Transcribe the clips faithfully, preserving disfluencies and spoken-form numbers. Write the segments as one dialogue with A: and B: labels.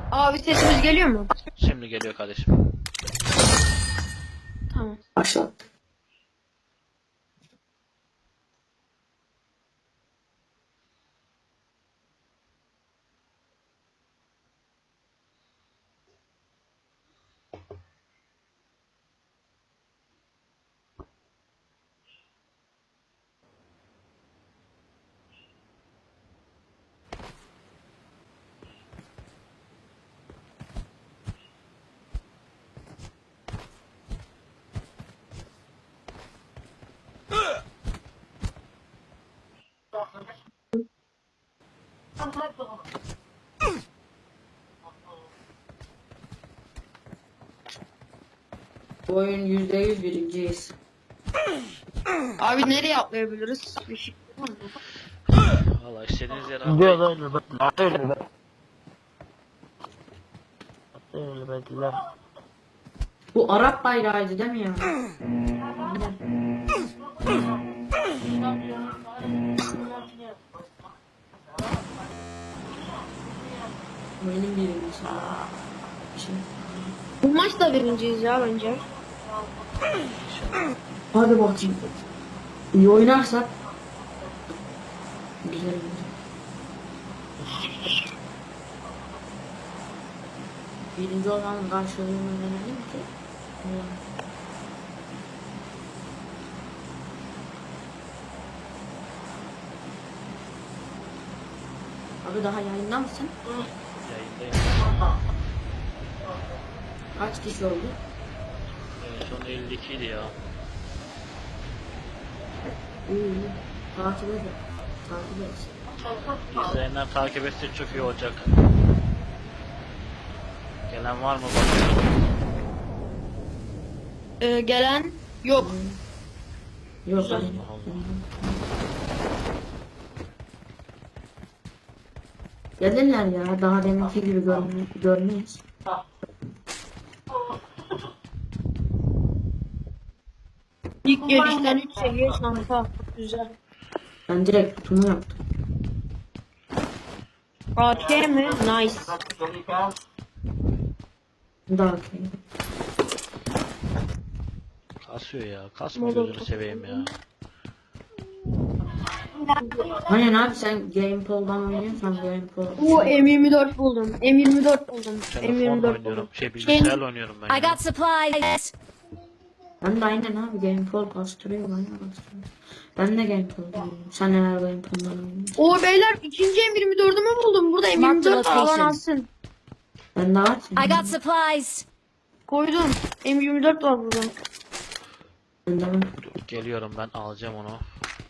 A: Abi sesimiz geliyor mu?
B: Şimdi geliyor kardeşim.
A: Tamam.
C: Başlat. Bu oyun yüzde yüz birinciyiz.
A: Abi nereye atlayabiliriz? Bir şey var mı?
B: Valla istediğiniz yere
D: Gidiyoruz
B: atlayın.
D: öyle bak. Öyle bak. Öyle bekler.
C: Bu Arap bayrağıydı değil mi ya? Benim birincisi. Şey.
A: Bu maçta birinciyiz ya bence.
C: Hadi bakayım. İyi oynarsak. Güzel olur. Birinci olan karşılığını verelim ki. Abi daha yayında mısın?
B: Yayındayım.
C: Kaç kişi oldu?
B: En son elli iki idi ya.
C: İyi iyi. Takip edin. Takip et.
B: İzleyenler takip etse çok iyi olacak. Gelen var mı bakıyorum.
A: Ee, gelen yok.
C: Yok.
A: Güzel.
C: hayır. Gelirler ya. Daha deminki gibi görme, görmeyiz.
A: İlk gelişten üç seviye şansa. Güzel.
C: Ben direkt tutumu yaptım.
A: A K mi? Nice.
C: Daha okey.
B: Kasıyor ya. Kasma
A: Molotov.
B: gözünü seveyim ya.
C: Aynen abi sen Gamepol'dan oynuyorsan Gamepol.
A: Bu M yirmi dört buldum. M yirmi dört buldum. M
B: Telefonla
A: yirmi dört
B: oynuyorum.
A: buldum.
B: Şey bilgisayarla oynuyorum ben
E: I
B: ya.
E: got supplies.
C: Ben de aynen abi Gamepol bastırıyor bana bastırıyor. Ben de Gamepol'dan oynuyorum. Sen neler Gamepol'dan oynuyorsun?
A: O beyler ikinci M yirmi dördümü buldum. Burada M yirmi dört
E: Marked
A: alan
E: location.
A: alsın.
C: Ben de var
E: I got supplies.
A: Koydum. M yirmi dört var burada.
C: Ben de var.
B: Dur, geliyorum ben alacağım onu.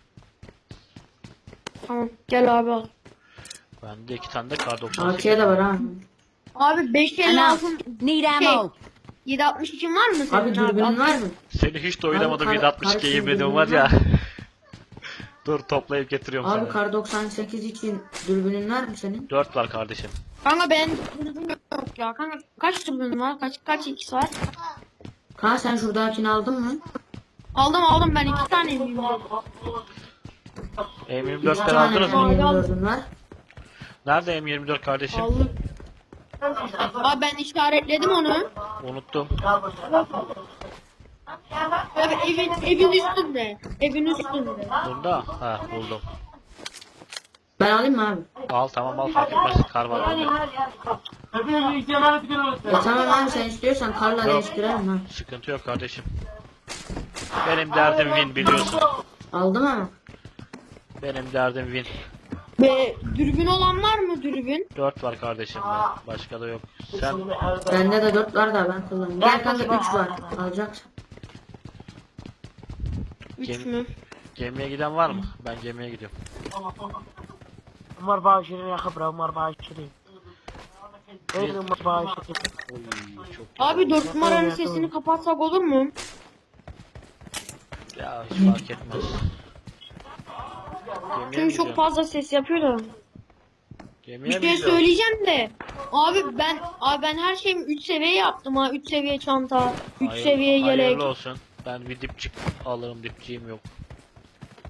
A: Tamam gel abi al.
B: Bende iki tane de kar doksan
C: A
B: sekiz.
C: K de var abi.
A: Abi beş elli altı
E: Need ammo.
A: yedi altmış için var mı senin
C: Abi dürbünün var mı?
B: Seni hiç de oynamadım.
C: Abi,
B: yedi altmış iki
C: kar-
B: yemedim var ya. Dur toplayıp getiriyorum
C: Abi
B: sana.
C: kar doksan sekiz için dürbünün var mı senin?
B: dört var kardeşim.
A: Kanka ben dürbün yok ya. Kanka kaç dürbün var? Kaç kaç ikisi var?
C: Kaan sen şuradakini aldın mı?
A: Aldım aldım ben iki tane M yirmi dört.
B: M yirmi
C: İki
B: dörtleri
C: tane
B: aldınız mı?
A: Abi,
C: M yirmi dördün var.
B: Nerede M yirmi dört kardeşim?
A: Aldım. Abi ben işaretledim onu.
B: Unuttum.
A: Abi evin evin üstünde. Evin üstünde.
B: Bunda? Ha buldum.
C: Ben alayım mı abi?
B: Al tamam al fark etmez. Kar var bende.
C: E tamam abi sen istiyorsan karla değiştirelim ha.
B: Sıkıntı yok kardeşim. Benim derdim win biliyorsun.
C: Aldım ama.
B: Benim derdim win.
A: Ve dürbün olan var mı dürbün?
B: dört var kardeşim ben. Başka da yok. Sen
C: Bende de dört var da ben kullanıyorum. Gel kanka üç var. Alacaksın.
A: üç
B: Gem-
A: mü?
B: gemiye giden var mı? Ben gemiye gidiyorum.
D: هم أربعة وعشرين يا خبرة هم أربعة وعشرين غير هم أربعة وعشرين
B: Oy çok
A: Abi dört numaranın sesini kapatsak olur mu?
B: ya hiç fark etmez. Gemiye mi
A: Çünkü çok
B: gidiyorsun?
A: fazla ses yapıyor da.
B: Gemiye
A: Bir
B: mi
A: şey
B: gidiyorsun?
A: söyleyeceğim de. Abi ben abi ben her şeyimi üç seviye yaptım ha. üç seviye çanta, üç
B: Hayır-
A: seviye yelek.
B: Hayırlı olsun. Ben bir dipçik alırım, dipçiğim yok.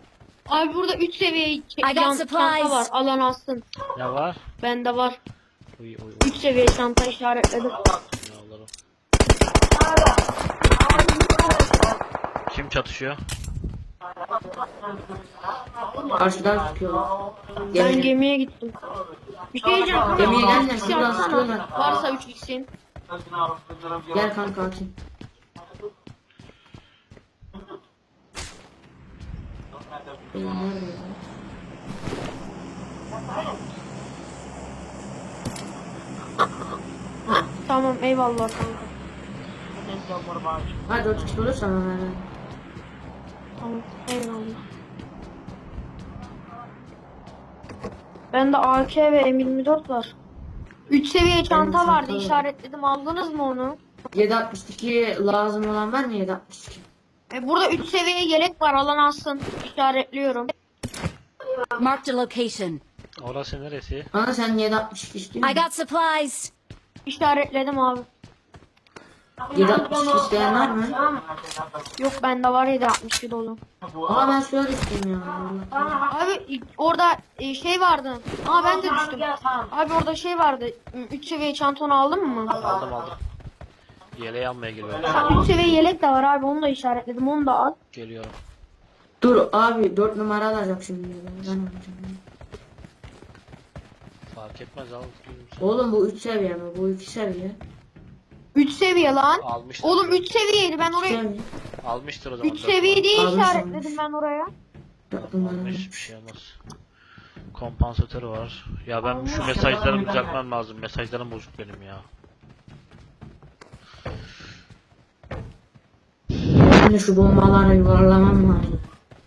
A: Abi burada üç seviye
E: got
A: yan- çanta
E: supplies.
A: var. Alan alsın.
B: Ne var?
A: Bende var.
B: Uy uy uy.
A: üç seviye çanta işaretledim.
B: Yavrum. Kim çatışıyor?
C: Karşıdan sıkıyorlar.
A: Ben
C: Gemiye.
A: gemiye gittim. Bir şey diyeceğim.
C: Gemiye gelme,
A: üç x
C: şuradan
A: atsana.
C: sıkıyorlar.
A: Varsa üç x'in.
C: Gel kanka atayım. Benim nerede ya?
A: Tamam eyvallah kanka.
D: Neyse Umar Bağışır.
C: Ha dört kişi olursa bana ver.
A: Tamam eyvallah. Bende A K ve M yirmi dört var. üç seviye çanta
C: çanta
A: vardı
C: var.
A: işaretledim. Aldınız mı onu?
C: yedi altmış iki lazım olan var mı yedi altmış iki?
A: E, burada üç seviye yelek var. Alan alsın. İşaretliyorum.
E: Marked a location.
B: Orası neresi?
C: Bana sen yedi altmış iki
E: I
C: istiyorsun.
E: got supplies.
A: İşaretledim abi.
C: yedi altmış iki isteyen var mı?
A: Yok bende var yedi altmış bir dolu.
C: Ama ben şöyle isteyeyim ya. Allah.
A: Abi orada e, şey vardı. Aa ben de düştüm. Abi orada şey vardı. üç seviye çantanı aldın mı?
B: Aldım aldım. Yeleği almaya geliyorum.
A: üç seviye yelek de var abi. Onu da işaretledim. Onu da al.
B: Geliyorum.
C: Dur abi dört numara alacak şimdi. ya, Ben alacağım.
B: Fark etmez al.
C: Oğlum bu üç seviye mi? Bu iki seviye.
A: üç seviye lan.
B: Almıştır.
A: Oğlum üç seviyeydi. Ben oraya
C: Seviye.
B: Almıştır o zaman.
A: üç seviye diye
C: Almış,
A: işaretledim
C: almış.
A: ben oraya.
C: dört numara.
B: Almış bir şey olmaz. Kompansatörü var. Ya ben şu mesajları düzeltmem lazım. Mesajlarım bozuk benim ya.
C: Şimdi şu bombaları yuvarlamam lazım.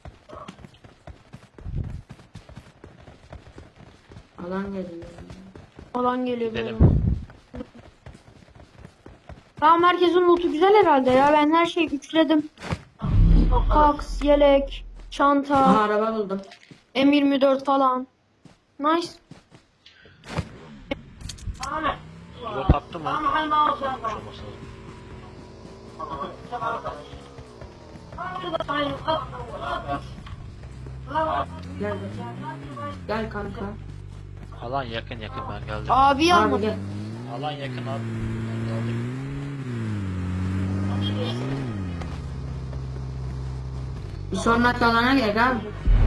C: Alan geliyor.
A: Alan geliyor
B: Gidelim.
A: böyle. Tamam herkesin lootu güzel herhalde ya. Ben her şeyi üçledim. Kaks, yelek, çanta,
C: Aha araba buldum.
A: M yirmi dört falan. Nice.
B: Drop attı mı? Olması lazım.
C: Gel. Gel kanka.
B: Alan yakın yakın ben geldim.
A: Abi
C: Abi
A: almadı.
C: gel.
B: Alan yakın abi. Ben geldim.
C: Bir sonraki alana gel abi.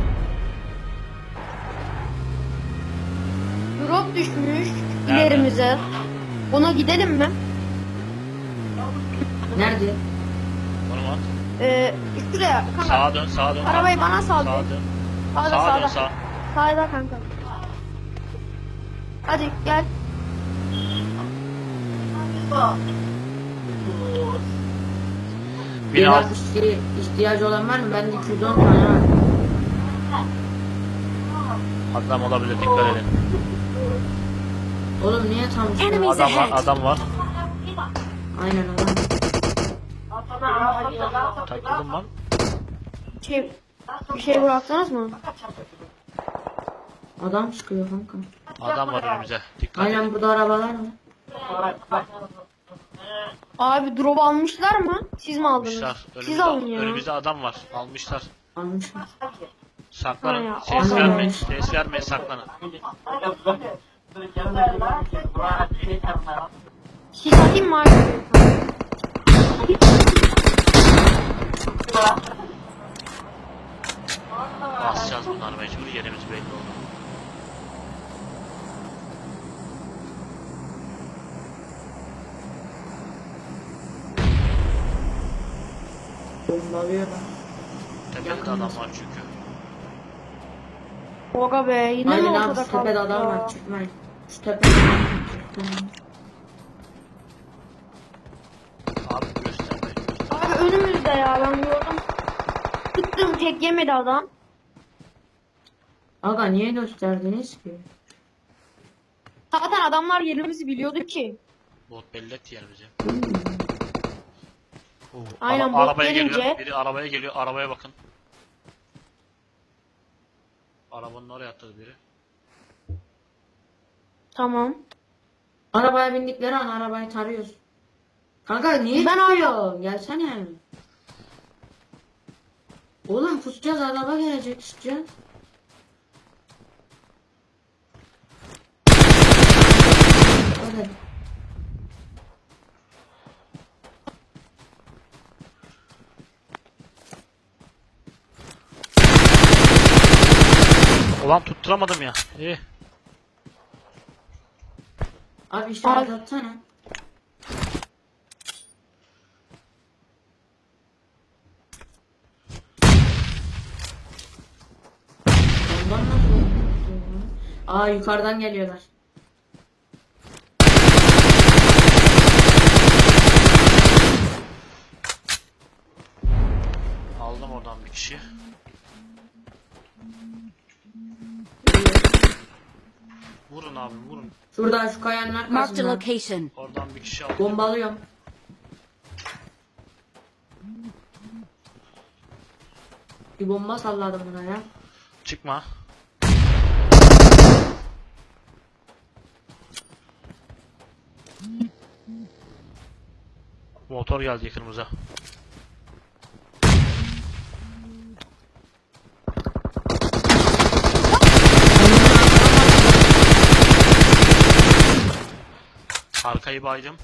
A: Drop düşmüş ilerimize. Ona gidelim mi?
C: Nerede?
B: Konum at.
A: Ee, şuraya kanka.
B: Sağa dön sağa dön.
A: Arabayı bana sal.
B: Sağa dön.
A: Sağda
B: Sağa
A: sağda.
B: dön sağa.
A: Sağda kanka. Hadi gel.
B: Bir alt.
C: altmış iki ihtiyacı olan var mı? Bende iki yüz on tane var.
B: Adam olabilir dikkat edin.
C: Oğlum niye tam
E: Enemies
B: Adam var
E: ahead.
B: adam var.
C: Aynen adam.
B: Takıldım lan.
A: Şey, bir şey bıraktınız mı?
C: Adam çıkıyor kanka.
B: Adam var önümüze. Dikkat edin.
C: Aynen burada arabalar var.
A: Abi drop almışlar mı? Siz mi aldınız?
B: Almışlar.
A: Siz
B: Önümüzde,
A: alın ya.
B: önümüzde adam var. Almışlar.
C: Almışlar.
B: Saklanın.
A: Ha ya,
B: Ses
C: Allah
B: vermeyin.
C: Allah.
B: Ses vermeyin saklanın.
A: Siz atayım mı abi?
B: Basacağız bunları mecbur yerimiz belli oldu.
C: Bombalıyorlar.
B: Tepede adam var çünkü.
A: Oga be yine mi
C: Aynen abi
A: ortada
C: şu tepede
A: kaldık
C: adam
A: ya?
C: var çıkmayın. Şu tepede adam var çıkmayın.
B: Abi göstermeyin.
A: Abi önümüzde ya ben gördüm. Tıktım tek yemedi adam.
C: Aga niye gösterdiniz ki?
A: Zaten adamlar yerimizi biliyordu ki.
B: Bot belli etti yerimizi.
C: Hmm.
B: Oo,
A: Aynen,
B: ara-
A: bot
B: arabaya
A: gelince-
B: geliyor. Biri arabaya geliyor. Arabaya bakın. Arabanın oraya atladı biri.
A: Tamam.
C: Arabaya bindikleri an arabayı tarıyoruz. Kanka niye
A: Ben
C: çıkıyor? Gelsene. Oğlum kusacağız araba gelecek çıkacağız. nerede?
B: Ulan tutturamadım ya. İyi.
C: Abi işaret atsana. Ondan nasıl oldu ya? Aa yukarıdan geliyorlar.
B: Aldım oradan bir kişi. Vurun abi vurun.
C: Şurada şu kayanın
E: Marked a
C: arkasında.
E: location.
B: Oradan bir kişi aldım.
C: Bombalıyorum. Bir bomba salladım buna ya.
B: Çıkma. Motor geldi yakınımıza. Arkayı baydım.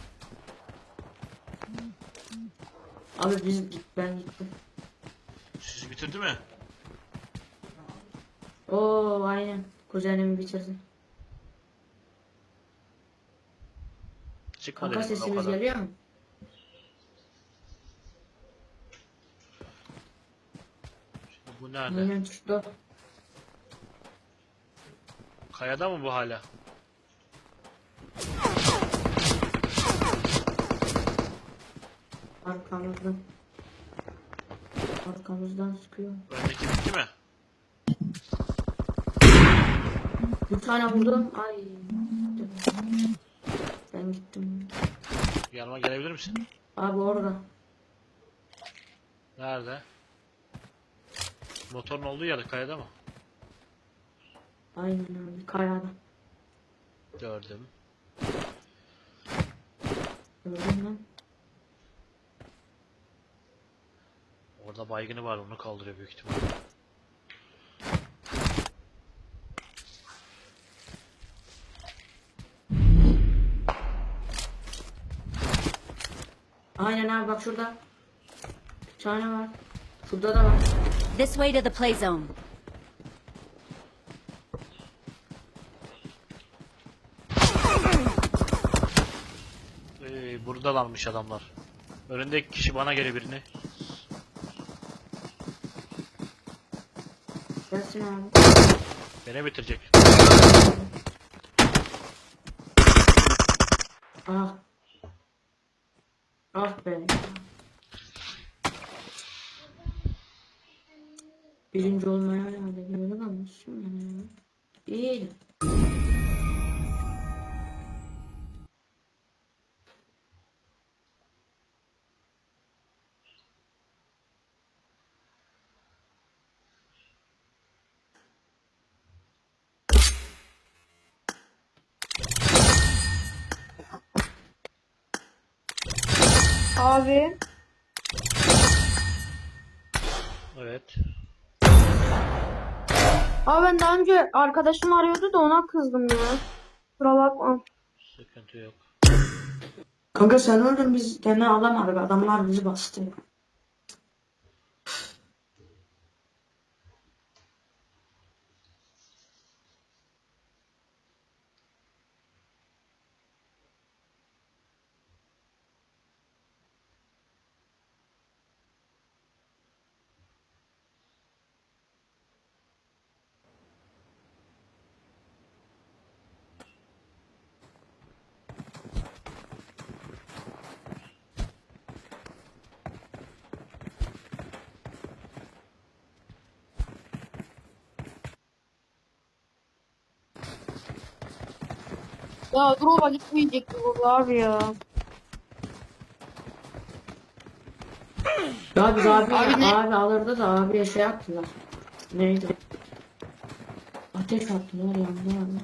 C: Abi biz ben gittim.
B: Sizi bitirdi mi?
C: Oo aynen. Kuzenimi bitirdi.
B: Çıkma
C: Kanka
B: dedim ben o
C: sesimiz
B: kadar.
C: geliyor mu?
B: Bu nerede?
C: Aynen çıktı.
B: Kayada mı bu hala?
C: Arkamızdan. Arkamızdan sıkıyor.
B: Öndeki bitti mi?
C: Bir tane vurdum. Ay. Ben gittim.
B: Yanıma gelebilir misin?
C: Abi orada.
B: Nerede? Motorun olduğu yerde kayada mı?
C: Aynen abi kayada.
B: Gördüm.
C: Gördün mü?
B: Orada baygını var onu kaldırıyor büyük ihtimal.
C: Aynen abi bak şurada. Bir tane var. Şurada da var.
E: This way to the play zone.
B: Ee, buradalarmış adamlar. Önündeki kişi bana geliyor birini.
C: Gelsin abi.
B: Beni bitirecek.
C: Ah. Ah be. Birinci olmaya hayal ediyordum ama şimdi İyiydi.
A: Abi.
B: Evet.
A: Abi ben daha önce arkadaşım arıyordu da ona kızdım ya. Kusura bakma.
B: Sıkıntı yok.
C: Kanka sen öldün biz gene alamadık. Adamlar bizi bastı.
A: Ya Drova gitmeyecekti burada abi ya.
C: Ya biz abi,
A: Abi
C: abi,
A: ne?
C: alırdı da abiye şey yaptılar. Neydi? Ateş attılar yandı yandı.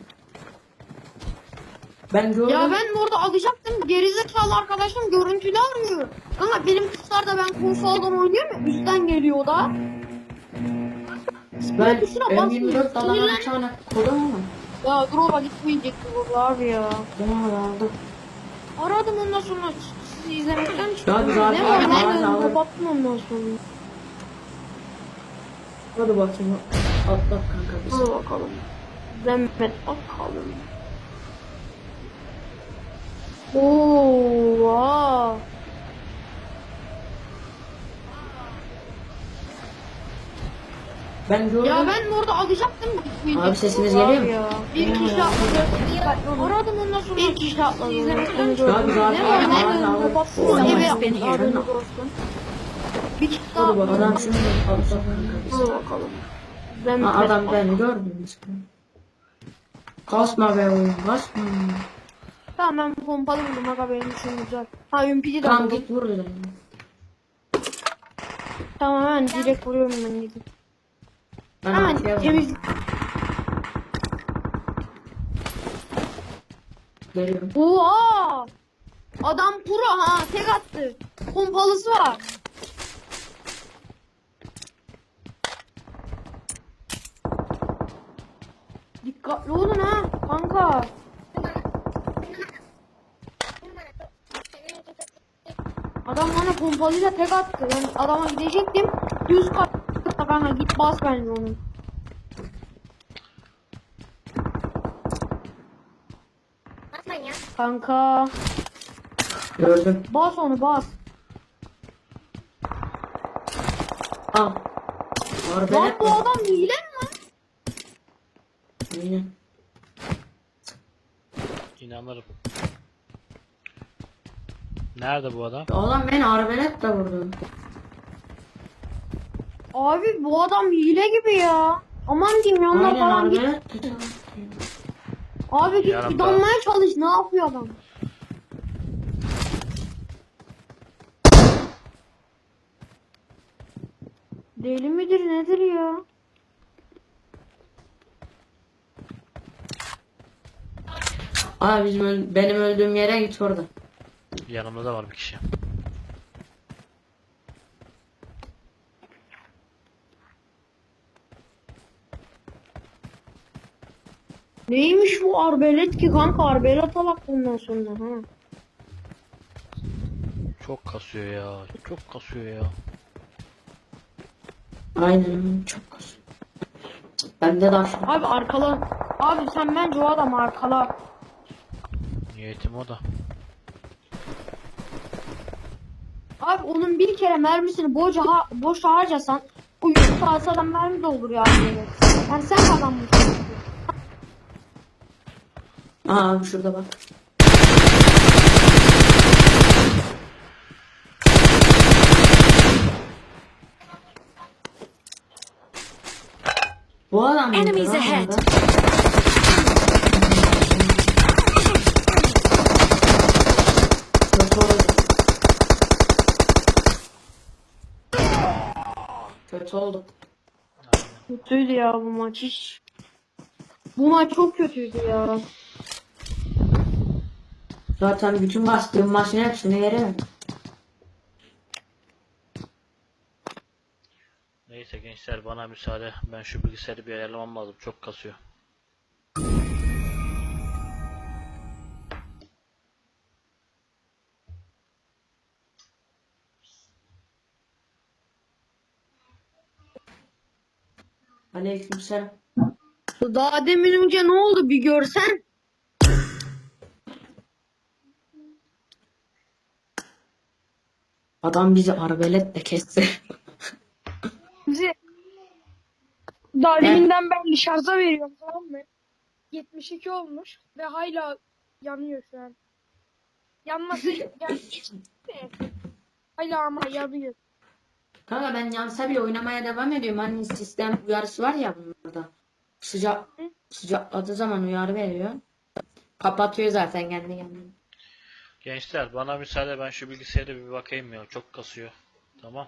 C: Ben gördüm.
A: Ya ben orada alacaktım. Gerizekalı arkadaşım görüntülü arıyor. Ama benim kuşlar da ben konsoldan oynuyorum ya. Üstten geliyor o da.
C: ben
A: tuşuna
C: M
A: basmıyor,
C: yirmi dört alan bir
A: sinirlen-
C: tane kodum ama
A: Ya drop'a gitmeyecekti bu abi ya.
C: Bunu aldım.
A: Aradım ondan sonra sizi izlemekten
C: Ya
A: çıktım.
C: biz abi-
A: Ne var
C: abi-
A: ne
C: abi-
A: dedim
C: abi-
A: kapattım ondan sonra.
C: Hadi bakayım. Atlat kanka biz.
A: Hadi bakalım. Zahmet bakalım. Oo, vaa.
C: Ben gördüm.
A: Ya ben orada alacaktım. gitmeyecektim
C: Abi sesiniz
A: bu
C: geliyor
A: abi
C: mu?
A: ya. Bir kişi atladı. Aradım ondan sonra bir kişi atladı. İzlemekten
C: Ya
A: çıktım.
C: biz
A: Ne
C: abi-
A: var ne
C: abi-
A: dedim
C: abi-
A: kapattım.
C: abi-
A: Eve
E: abi-
A: yaptım. Haberiniz olsun. Bir kişi daha
C: Hadi bak
A: atladı.
C: adam şunu atlat kanka biz.
A: Hadi bakalım.
C: Ha,
A: Zahmet
C: adam
A: bakalım.
C: beni gördünüz. Kasma be oyun kasma.
A: Tamam ben pompalı buldum aga benim için güzel. Ha ümpidi de
C: Tamam
A: buldum.
C: git vur dedim.
A: Tamam hemen direkt vuruyorum ben gidip.
C: Ben
A: Hemen
C: arkaya
A: temiz.
C: geliyorum.
A: Oha! Adam pro ha tek attı. Pompalısı var. Dikkatli olun ha kanka. Adam bana pompalıyla tek attı. Ben adama gidecektim. Düz katta kanka git bas bence onu. Kanka
C: Gördüm.
A: bas onu bas.
C: Al.
A: Lan
C: Arbelet
A: bu
C: mi?
A: adam hile mi lan?
C: Aynen.
B: İnanırım. Nerede bu adam?
C: Oğlum beni arbelet de vurdu.
A: Abi bu adam hile gibi ya. Aman diyeyim yanına
C: Aynen
A: falan git.
C: arbelet de.
A: Abi git
B: Yanımda.
A: fidanmaya çalış. Ne yapıyor adam? Deli midir nedir ya?
C: Abi bizim öl- benim öldüğüm yere git orada.
B: Yanımda da var bir kişi.
A: Neymiş bu arbelet ki kanka? Arbelet alak bundan sonra ha.
B: Çok kasıyor ya. Çok kasıyor ya.
C: Aynen çok kasıyor. Bende de aşağı.
A: Abi arkala. Abi sen bence o adam arkala.
B: Niyetim o da.
A: Abi onun bir kere mermisini boşa, ha boş harcasan o yüz saat adam mermi doldur ya. Böyle. Yani sen kazanmışsın.
C: Aa abi şurada bak. Bu adam mıydı
E: Enemies
C: lan
E: ahead.
C: orada? Kötü oldu. Kötü oldu.
A: Kötüydü ya bu maç hiç. Bu maç çok kötüydü ya.
C: Zaten bütün bastığım maçın hepsini yerim.
B: Neyse gençler bana müsaade. Ben şu bilgisayarı bir ayarlamam lazım. Çok kasıyor.
C: Aleykümselam.
A: Daha demin önce ne oldu bir görsen.
C: Adam bizi arbeletle kesti.
F: Bizi daha deminden ben şarja veriyorum, tamam mı? yetmiş iki olmuş ve hala yanıyor şu an. Yanması yani hala ama yanıyor.
C: Kanka ben yansa bile oynamaya devam ediyorum. Hani sistem uyarısı var ya bunlarda. Sıcak sıcakladığı zaman uyarı veriyor. Kapatıyor zaten kendi kendine.
B: Gençler bana müsaade. Ben şu bilgisayara bir bakayım ya. Çok kasıyor. Tamam.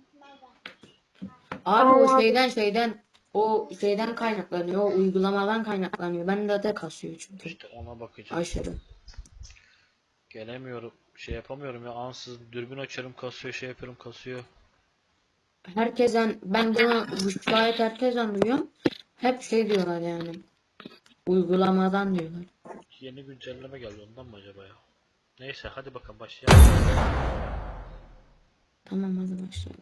C: Abi o şeyden şeyden o şeyden kaynaklanıyor. O uygulamadan kaynaklanıyor. Ben de de kasıyor çünkü.
B: İşte ona bakacağım.
C: Aşırı.
B: Gelemiyorum. Şey yapamıyorum ya. Ansız dürbün açarım kasıyor. Şey yapıyorum kasıyor.
C: Herkesten ben bunu bu şikayet herkesten duyuyorum. Hep şey diyorlar yani. Uygulamadan diyorlar.
B: Yeni güncelleme geldi ondan mı acaba ya? Neyse hadi bakalım başlayalım.
C: Tamam hadi başlayalım.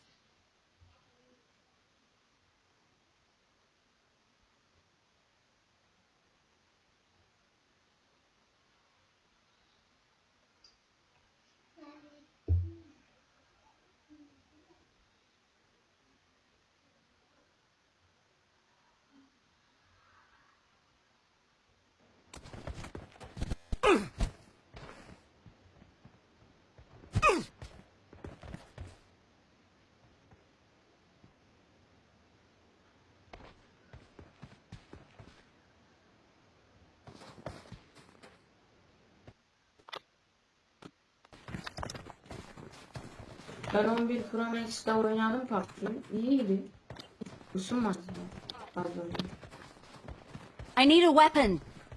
C: Ben on bir Pro Max'te oynadım P U B G. İyiydi. Isınmaz. Pardon.
E: I need a weapon.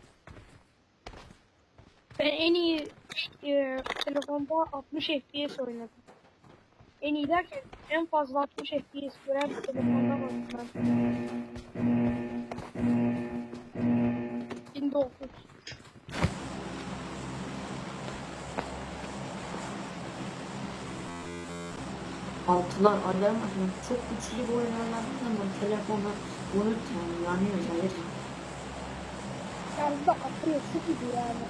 F: Ben en iyi e, telefonda altmış F P S oynadım. En iyi derken en fazla altmış F P S gören bir telefonda oynadım. bin dokuz.
C: Altılar ayrılmasın. Çok güçlü bir oyun oynadım zaman telefona unut yani yanıyor hayır.
F: Yani da atıyor su gibi yani.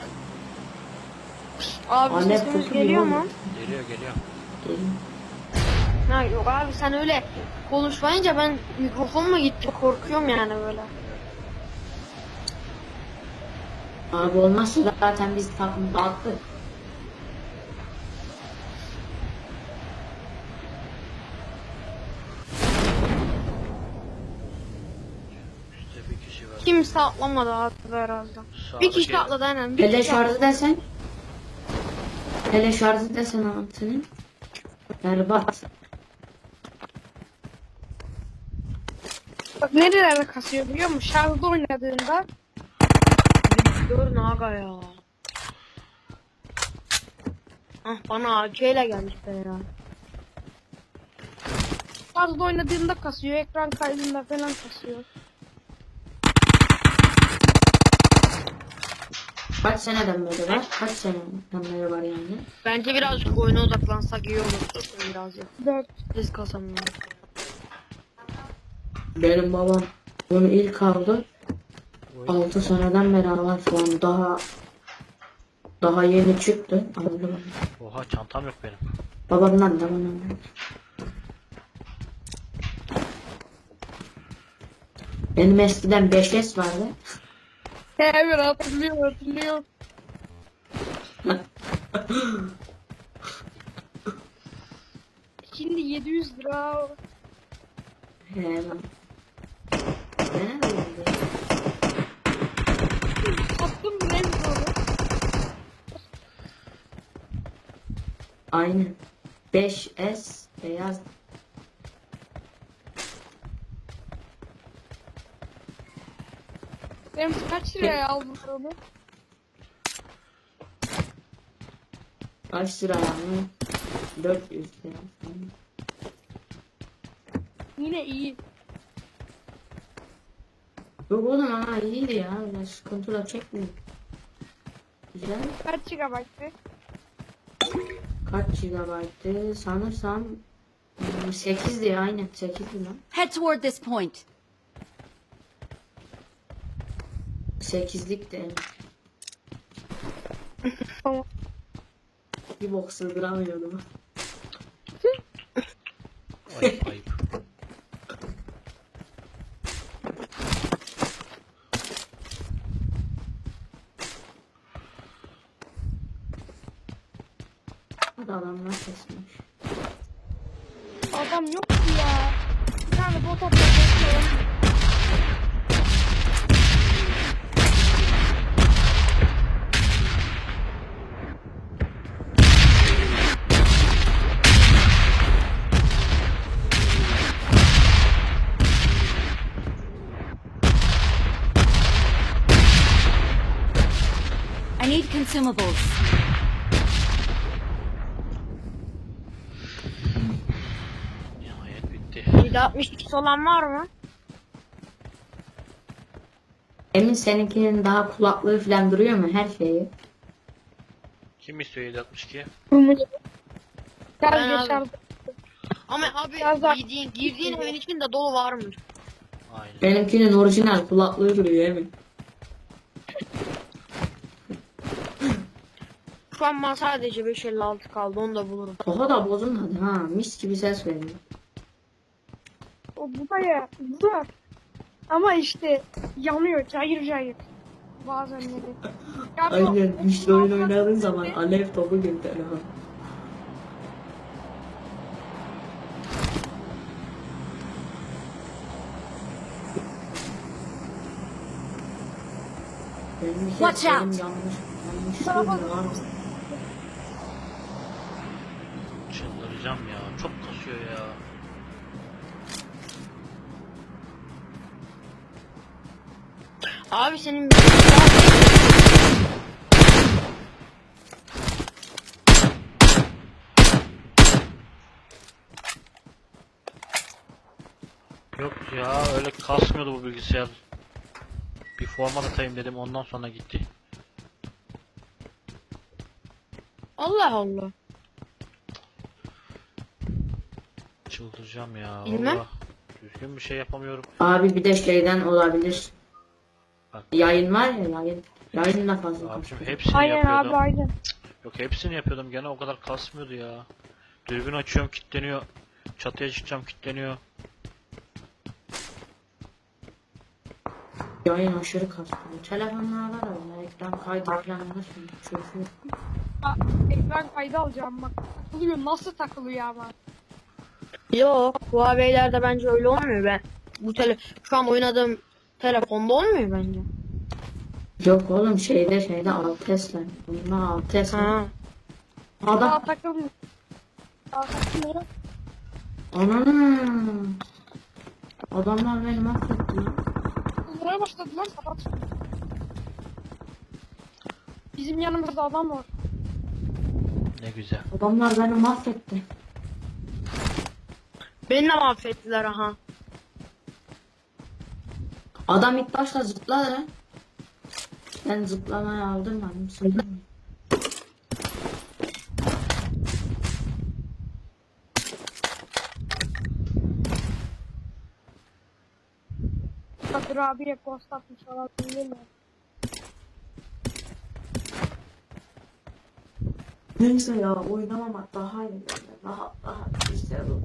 F: Abi
C: Anne
F: sesimiz
C: kutu
F: geliyor
C: gibi
F: mu?
C: oldu.
B: Geliyor geliyor.
C: Gelin.
A: Ha yok abi sen öyle konuşmayınca ben mikrofon mu gitti korkuyorum yani böyle.
C: Abi olmazsa zaten biz takım dağıttık.
B: İşte bir kişi var.
A: Kimse atlamadı abi herhalde. Bir kişi
B: Sağdaki-
A: atladı aynen. Bir
C: Hele
A: kişi
C: şarjı desen. Hele şarjı desen altının. Berbat.
F: Bak nerelerde kasıyor biliyor musun? Şarjda oynadığında
A: Görün aga ya. Ah bana A K ile gelmiş be ya.
F: şarjda oynadığında kasıyor. Ekran kaydında falan kasıyor.
C: Kaç seneden beri var? Kaç seneden beri var yani?
A: Bence birazcık oyuna odaklansak iyi olur. Biraz ya.
F: dört.
A: Biz kazanmıyor.
C: Benim babam bunu ilk aldı. altı seneden beri var şu an daha daha yeni çıktı. Aldı bana.
B: Oha çantam yok benim.
C: Babamdan da bana aldı. Benim eskiden beş S vardı.
F: Evet hatırlıyorum hatırlıyorum. Şimdi yedi yüz lira.
C: He lan. Ne oldu?
F: Sattım bile onu.
C: Aynen. beş S beyaz.
F: Benim kaç liraya aldın onu?
C: Kaç lira yani? dört yüz lira.
F: Yine iyi.
C: Yok oğlum ama iyiydi ya. Öyle sıkıntıla çekmiyor. Güzel.
F: Kaç gigabayttı?
C: Kaç gigabaytı? Sanırsam hmm, sekizdi aynen sekizdi lan.
E: Head toward this point.
C: sekizlik de.
F: Tamam.
C: Bir bok sığdıramıyordum.
B: Ayıp ayıp.
C: Hadi adamlar kesmiş.
F: Adam yok ki ya. Bir tane bot atıyor.
E: I need consumables.
B: Nihayet bitti.
A: yedi altmış iki olan var mı?
C: Emin seninkinin daha kulaklığı falan duruyor mu her şeyi?
B: Kim istiyor yedi altmış iki?
F: Rumeli.
D: Ben
F: Gel
D: aldım.
F: geçer.
D: Ama abi
F: Biraz daha-
D: girdiğin, girdiğin evin içinde dolu varmış.
B: Aynen.
C: Benimkinin orijinal kulaklığı duruyor Emin.
D: Şu an bana sadece beş elli altı kaldı, onu da bulurum.
C: Daha da bozulmadı ha, mis gibi ses veriyor.
F: O bu da ya. Bu da. Ama işte yanıyor. Cayır cayır. Bazenleri. Ya bu-
C: Aynen, işte oyun oynadığın zaman alev topu gibi telefon. Benim bir
E: Watch
C: ses benim
E: out.
C: yanlış. Yanlış
F: Tarafa
C: duymuyor abi.
B: Çıldıracağım ya. Çok kasıyor ya.
D: Abi senin
B: Yok ya, öyle kasmıyordu bu bilgisayar. Bir format atayım dedim, ondan sonra gitti.
D: Allah Allah.
B: Çıldıracağım ya.
D: Bilmem.
B: Vallahi düzgün bir şey yapamıyorum.
C: Abi bir de şeyden olabilir.
B: Bak.
C: Yayın var ya, yayın. Yayın da fazla
B: Abicim
C: kasıyor.
B: hepsini
F: Aynen
B: yapıyordum.
F: abi aynen.
B: Yok, hepsini yapıyordum, gene o kadar kasmıyordu ya. Dürbün açıyorum, kilitleniyor. Çatıya çıkacağım, kilitleniyor.
C: Yayın aşırı kasıyor. Telefonlarda da var. Ekran kaydı falan nasıl çözüyor.
F: Ha, ekran kaydı alacağım bak. Takılıyor. Nasıl takılıyor ama.
D: Yok, Huawei'lerde bence öyle olmuyor. Ben bu tele şu an oynadığım telefonda olmuyor bence.
C: Yok oğlum, şeyde şeyde Altes'ler. Bunlar Altes mi?
D: Ha.
F: Daha
C: Adam.
F: takılmıyor. Daha takılmıyor.
C: Ananı. Adamlar beni mahvetti lan.
F: Kıldırmaya başladılar kapat. Bizim yanımızda adam var.
B: Ne güzel.
C: Adamlar beni mahvetti.
D: Beni de mahvettiler aha.
C: Adam ilk başta zıpladı lan. Ben zıplamayı aldım ben. Söyledim.
F: Kadir abiye post atmış olabilir mi?
C: Neyse ya, oynamamak daha iyi. Daha daha güzel olur.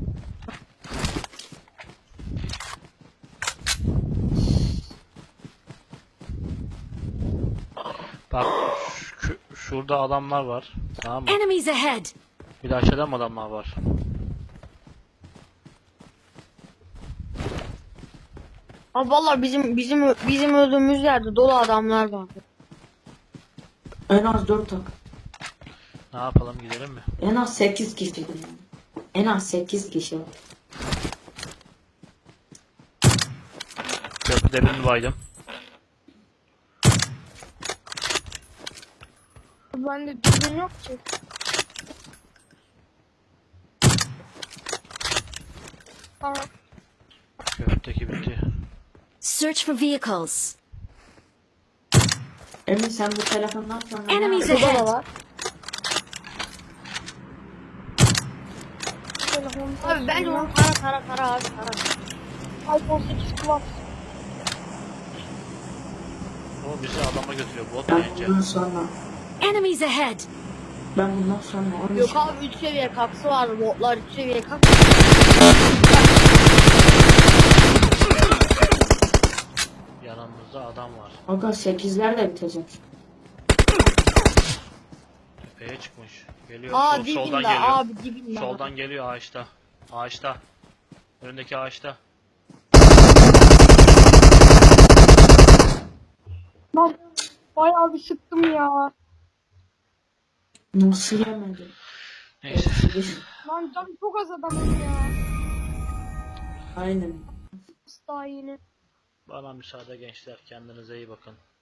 B: Bak şu- şurada adamlar var. Tamam mı?
E: Enemies ahead!
B: Bir de aşağıda mı adamlar var?
D: Ama vallahi bizim bizim bizim öldüğümüz yerde dolu adamlar var.
C: En az dört tak.
B: Ne yapalım, gidelim mi?
C: En az sekiz kişi. Yani. En az sekiz kişi.
B: Köprüde birini baydım.
F: Bende düzgün yok ki. Tamam.
B: Köprüdeki bitti.
E: Search for vehicles.
C: Emin sen bu telefondan sonra ne
E: Enemies
C: yapıyorsun?
E: ahead!
D: var.
F: Telefonda
D: Abi bence onu tara tara tara abi tara.
F: iPhone sekiz Plus.
B: O bizi adama götürüyor, bot
C: Ben
B: bence.
C: bundan sonra
E: Enemies ahead!
C: ben bundan sonra on
D: Yok
C: üç
D: abi üç seviye kaksı var, botlar üç seviye kaksı.
B: Yanımızda adam var.
C: Aga sekizler de bitecek.
B: Tepeye çıkmış. Geliyor.
D: Aa
B: Sol- soldan
D: dibinde
B: geliyor.
D: abi dibinde.
B: Soldan geliyor, ağaçta. Ağaçta. Önündeki ağaçta.
F: Lan bayağı bir sıktım ya.
C: Nasıl yemedi?
B: Neyse.
F: Lan canım çok az adamım ya.
C: Aynen.
F: Daha yeni.
B: Bana müsaade gençler. Kendinize iyi bakın.